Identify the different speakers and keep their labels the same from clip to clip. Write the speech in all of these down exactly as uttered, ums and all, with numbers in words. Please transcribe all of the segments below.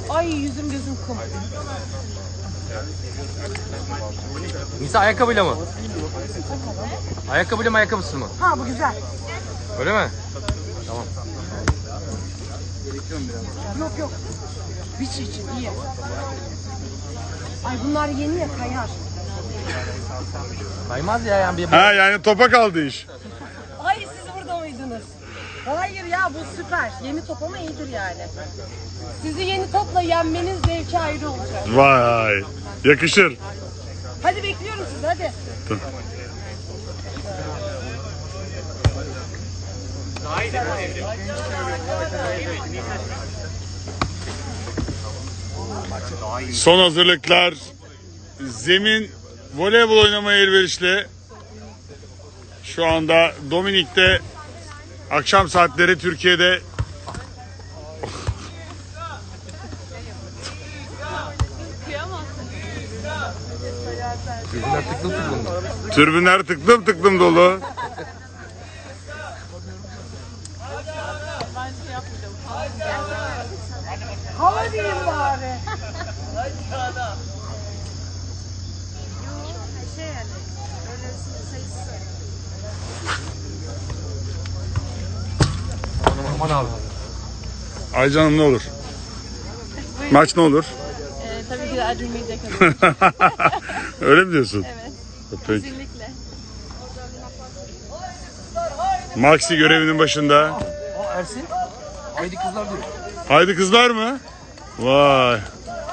Speaker 1: Ay yüzüm gözüm kum.
Speaker 2: Nisa ayakkabıyla mı? Ayakkabıyla mı ayakkabısız mı?
Speaker 1: Ha bu güzel.
Speaker 2: Öyle mi? Tamam.
Speaker 1: Yok yok. Biç için iyi. Ay bunlar yeni ya kayar.
Speaker 2: Kaymaz ya yani bir...
Speaker 3: Ha yani topa kaldı iş.
Speaker 1: Ay siz burada mıydınız? Hayır ya bu süper. Yeni top ama iyidir yani. Sizi yeni topla yenmeniz zevki ayrı olacak.
Speaker 3: Vay. Yakışır.
Speaker 1: Hadi bekliyorum sizi hadi.
Speaker 3: Son hazırlıklar. Zemin voleybol oynamaya elverişli. Şu anda Dominik'te akşam saatleri Türkiye'de
Speaker 2: Yüzünden tıklım tıklım.
Speaker 3: türbünler tıklım tıklım dolu.
Speaker 1: Hava diyeyim bari.
Speaker 2: Aman abi.
Speaker 3: Aycan'ım ne olur? Maç ne olur?
Speaker 4: Ee, tabii ki de acımayacak.
Speaker 3: Öyle mi diyorsun?
Speaker 4: Evet.
Speaker 3: Peki.
Speaker 4: Kesinlikle.
Speaker 3: Maxi görevinin başında.
Speaker 2: Aa Ersin. Haydi kızlar diyor.
Speaker 3: Haydi kızlar mı? Vay.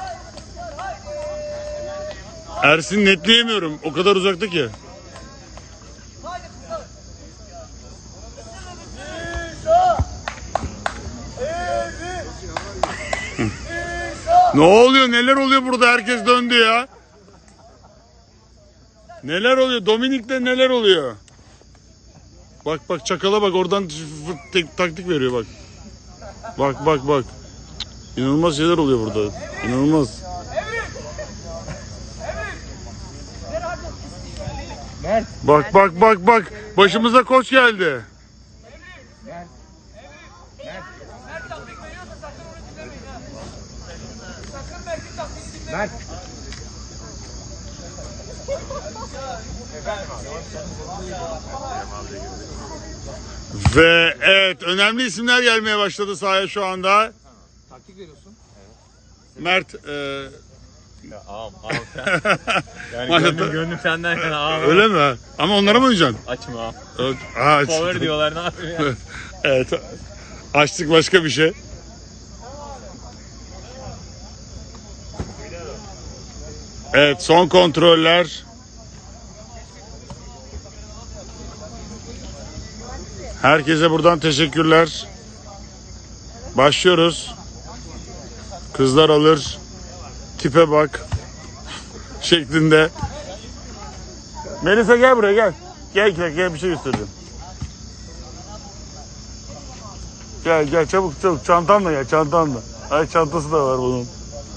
Speaker 3: Ersin netleyemiyorum. O kadar uzakta ki. Ne oluyor? Neler oluyor burada? Herkes döndü ya. Neler oluyor? Dominik'te neler oluyor? Bak bak çakala bak oradan tek, taktik veriyor bak. Bak bak bak. İnanılmaz şeyler oluyor burada. İnanılmaz.
Speaker 2: Mert.
Speaker 3: Bak bak bak bak. Başımıza koç geldi.
Speaker 2: Mert.
Speaker 3: Ve evet önemli isimler gelmeye başladı sahaya şu anda.
Speaker 2: Taktik veriyorsun.
Speaker 3: Mert e,
Speaker 5: Ya ağam ağam sen. Yani
Speaker 3: Maşallah.
Speaker 5: gönlüm, gönlüm senden yana ağam.
Speaker 3: öyle mi? Ama onlara mı oynayacaksın?
Speaker 5: Açma ağam.
Speaker 3: Evet. Aa,
Speaker 5: Power diyorlar ne yapayım ya.
Speaker 3: Evet. Açtık başka bir şey. Evet son kontroller. Herkese buradan teşekkürler. Başlıyoruz. Kızlar alır. Tipe bak. Şeklinde. Melisa gel buraya gel. Gel gel gel bir şey göstereceğim. Gel gel çabuk çabuk çantanla gel çantanla. Ay çantası da var bunun.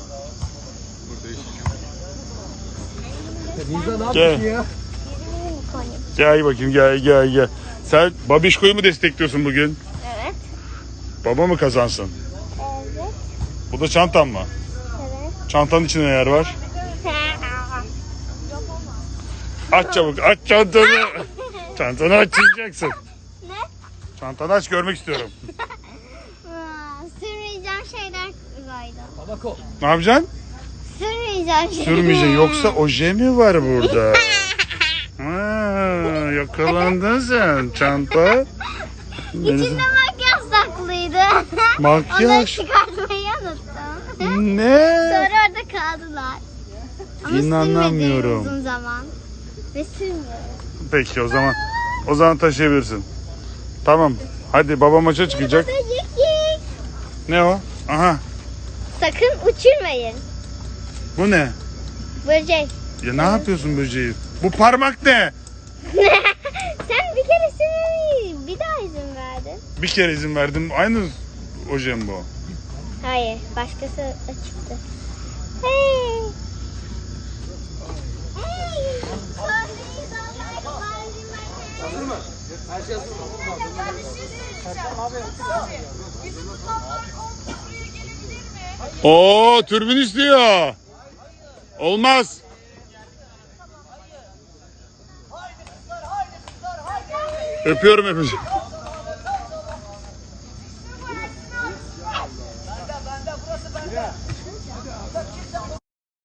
Speaker 2: Nisa ne
Speaker 3: Gel.
Speaker 2: yapıyorsun ya?
Speaker 3: Gel bakayım gel gel gel. Sen Babişko'yu mu destekliyorsun bugün?
Speaker 4: Evet.
Speaker 3: Baba mı kazansın?
Speaker 4: Evet.
Speaker 3: Bu da çantan mı?
Speaker 4: Evet.
Speaker 3: Çantanın içinde neler var? Aç çabuk aç çantanı. Çantanı açacaksın.
Speaker 4: Ne?
Speaker 3: Çantanı aç görmek istiyorum.
Speaker 4: Aa, sürmeyeceğim şeyler koydum.
Speaker 2: Tabako.
Speaker 3: Ne yapacaksın?
Speaker 4: Sürmeyeceğim şeyler.
Speaker 3: Sürmeyeceksin yoksa oje mi var burada? Ha, yakalandın sen çanta.
Speaker 4: İçinde makyaj saklıydı.
Speaker 3: Makyaj.
Speaker 4: Onları çıkartmayı unuttum.
Speaker 3: Ne?
Speaker 4: Sonra orada kaldılar. Ama
Speaker 3: İnanamıyorum.
Speaker 4: sürmedim uzun zaman. Ve sürmüyorum.
Speaker 3: Peki o zaman o zaman taşıyabilirsin. Tamam. Hadi baba maça çıkacak.
Speaker 4: Böcek.
Speaker 3: Ne o? Aha.
Speaker 4: Sakın uçurmayın.
Speaker 3: Bu ne?
Speaker 4: Böcek.
Speaker 3: Ya ne yapıyorsun böceği? Bu parmak ne?
Speaker 4: Sen bir kere sürmeyi bir daha izin verdin.
Speaker 3: Bir kere izin verdim. Aynı oje mi bu?
Speaker 4: Hayır, başkası açıktı. Hey. Hey.
Speaker 2: Hazır mı? Her şey hazır mı?
Speaker 1: Ben bir şey söyleyeceğim. Abi, bizim toplar on buraya gelebilir mi?
Speaker 3: Oo, türbün istiyor. Olmaz. Öpüyorum hepinizi.